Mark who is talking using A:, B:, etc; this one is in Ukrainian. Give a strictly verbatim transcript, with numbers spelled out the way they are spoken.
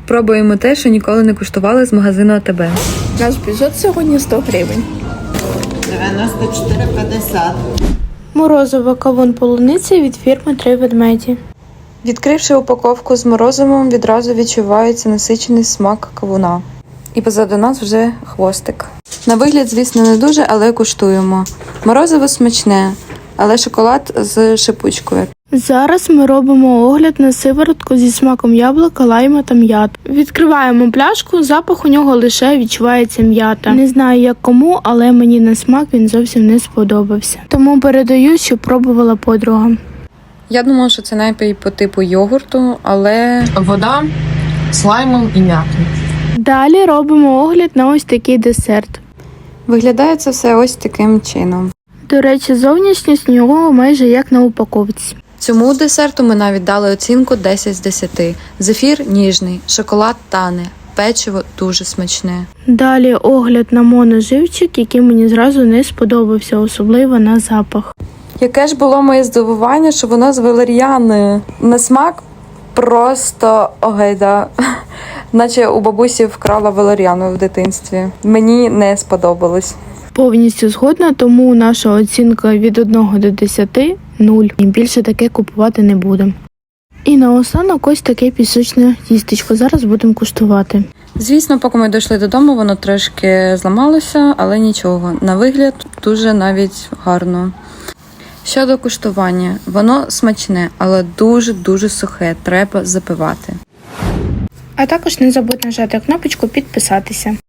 A: Пробуємо те, що ніколи не куштували з магазину АТБ.
B: Наш бюджет сьогодні сто гривень.
C: дев'яносто чотири п'ятдесят.
B: Морозиво кавун полуниці від фірми «Три ведмеді».
A: Відкривши упаковку з морозивом, відразу відчувається насичений смак кавуна. І позаду нас вже хвостик. На вигляд, звісно, не дуже, але куштуємо. Морозиво смачне, але шоколад з шипучкою.
B: Зараз ми робимо огляд на сиворотку зі смаком яблука, лайма та м'ят. Відкриваємо пляшку, запах у нього лише відчувається м'ята. Не знаю як кому, але мені на смак він зовсім не сподобався. Тому передаю, що пробувала подруга.
A: Я думала, що це напій по типу йогурту, але
D: Вода з лаймом і м'ятою.
B: Далі робимо огляд на ось такий десерт.
A: виглядає це все ось таким чином.
B: До речі, зовнішність нього майже як на упаковці.
A: Цьому десерту ми навіть дали оцінку десять з десяти. Зефір ніжний, шоколад тане, печиво дуже смачне.
B: Далі огляд на моноживчик, який мені зразу не сподобався, особливо на запах.
A: Яке ж було моє здивування, що воно з валер'яною. На смак просто огайда. Наче у бабусі вкрала валер'яну в дитинстві. Мені не сподобалось.
B: Повністю згодна, тому наша оцінка від одного до десяти – нуль. І більше таке купувати не будемо. І наостанок ось таке пісочне тістечко. Зараз будемо куштувати.
A: Звісно, поки ми дійшли додому, воно трошки зламалося, але нічого. На вигляд дуже навіть гарно. Щодо куштування, воно смачне, але дуже-дуже сухе, треба запивати.
B: А також не забудь нажати кнопочку підписатися.